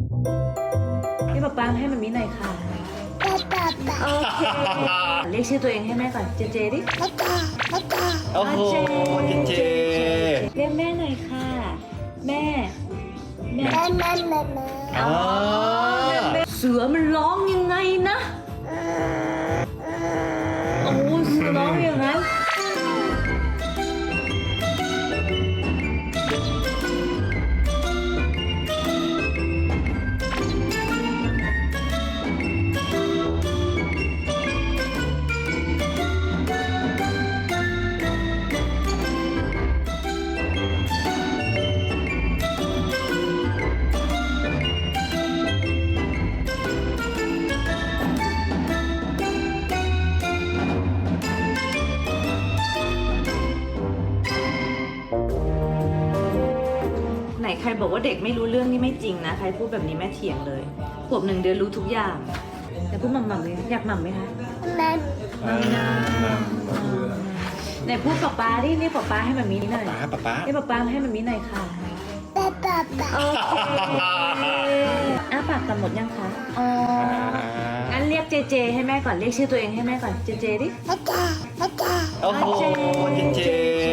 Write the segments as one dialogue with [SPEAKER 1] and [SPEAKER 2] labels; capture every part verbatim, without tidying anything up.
[SPEAKER 1] พี่ป๊าป๊าให้มันมีหน่อยค่ะโอเคเรียกชื่อตัวเองให้แม่ก่อนเจเจดิโอ้โหเจเจเรียกแม่หน่อยค่ะแม่แม่แม่แม่แม่อ๋อเสือมันร้องยังไงนะโอ้เสือร้องอย่างนั้นไหนใครบอกว่าเด็กไม่รู้เรื่องนี่ไม่จริงนะใครพูดแบบนี้แม่เถียงเลยขวบหนึ่งเดือนรู้ทุกอย่างแต่พูดหม่ำๆเลยอยากหม่ำไหมคะหม่ำหม่ำไหนพูดป๊าป๊าดิเรียกป๊าป๊าให้มันมีหน่อย
[SPEAKER 2] ป๊าป๊าป๊า
[SPEAKER 1] เรียกป๊าป๊าให้มันมีหน่อยค่ะป๊าป๊าโอเคอ้าปากกันหมดยังคะอ๋องั้นเรียกเจเจให้แม่ก่อนเรียกชื่อตัวเองให้แม่ก่อนเจเจดิ
[SPEAKER 2] โอ้โหเจเจ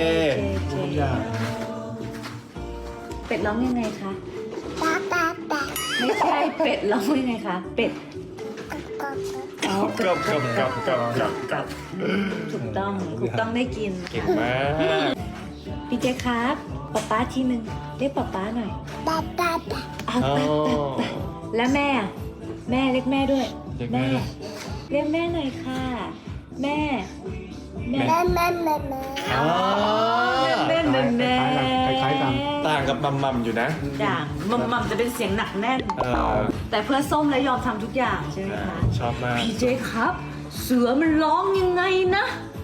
[SPEAKER 1] เป็ดร้องยังไงคะไม่ใช่เป็ดร้องยังไงคะเป็ดอ๋อ
[SPEAKER 2] กับกับกับกับกับกับ
[SPEAKER 1] ถูกต้องถูกต้องได้กิน
[SPEAKER 2] เก่งมาก
[SPEAKER 1] พี่เจครับป๊าป๊าทีหนึ่งเรียกป๊าป๊าหน่อยป๊าป๊าป๊าป๊าป๊าแล้วแม่แม่เรียกแม่ด้วยแม่เรียกแม่หน่อยค่ะแม่แม่แม่แม่แม่แม่อ๋อแม่แม่แม่คล้ายๆกัน
[SPEAKER 2] ต่างกับมัมมัมอยู่นะ
[SPEAKER 1] ด่างมัมมัมจะเป็นเสียงหนักแน่นแต่เพื่อส้มและยอมทำทุกอย่างใช่ไหมคะ
[SPEAKER 2] ชอบมาก
[SPEAKER 1] พี่เจครับเสือมันร้องยังไงนะ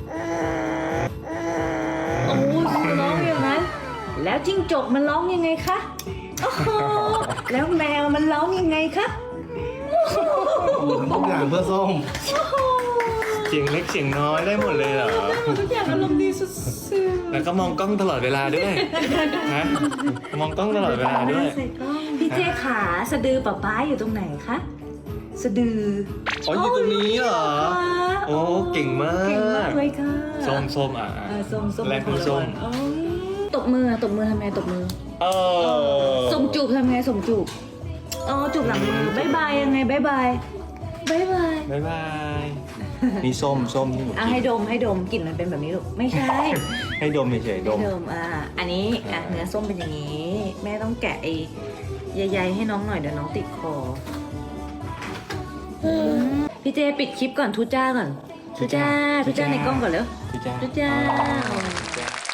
[SPEAKER 1] โอ้เสือร้องอย่างนั้นแล้วจิ้งจกมันร้องยังไงคะโอ้โหแล้วแมวมันร้องยังไงคะ
[SPEAKER 3] ทุกอย่างเพื่อส้ม
[SPEAKER 2] เสียงเล็กเสียงน้อยได้หมดเลยเหรอ
[SPEAKER 1] ทุกอย่างอารมณ์ดีสุด
[SPEAKER 2] แล้วก็มองกล้องตลอดเวลาด้วยฮะมองกล้องตลอดเวลาด้วย
[SPEAKER 1] พี่เจขาสะดือป๊าป๊าอยู่ตรงไหนคะสะดือ
[SPEAKER 2] อ๋ออยู่ตรงนี้เหรอโอ้เก่งมาก
[SPEAKER 1] เก่งมากเลยค่ะ
[SPEAKER 2] ส้มส้มอ่ะ
[SPEAKER 1] เออส้มส้ม
[SPEAKER 2] แรกคือส้ม
[SPEAKER 1] โอ้ยตบมือตบมือทำไงตบมือ
[SPEAKER 2] เออ
[SPEAKER 1] ส่งจูบทำไงส่งจูบอ๋อจูบหลังมือบายบายยังไงบายบายบายบาย
[SPEAKER 2] บ๊ายบาย นี่ส้มส้มที่หนู
[SPEAKER 1] อ่ะให้ดมให้ดมกลิ่นมันเป็นแบบนี้ลูกไม่ใช่
[SPEAKER 2] ให้ดมเฉยๆด
[SPEAKER 1] ให้
[SPEAKER 2] ม
[SPEAKER 1] ดมอ่ะอันนี้อ่ะเนื้อส้มเป็นอย่างนี้ แม่ต้องแกะไอ้ใยๆให้น้องหน่อยเดี๋ยวน้องติดคออืมพี่เจปิดคลิปก่อนทุจ้าก่อนทุจ้าทุจ้าในกล้องก่อนเร็ว
[SPEAKER 2] พี่จ้า
[SPEAKER 1] ทุจ้า
[SPEAKER 2] พี่จ้า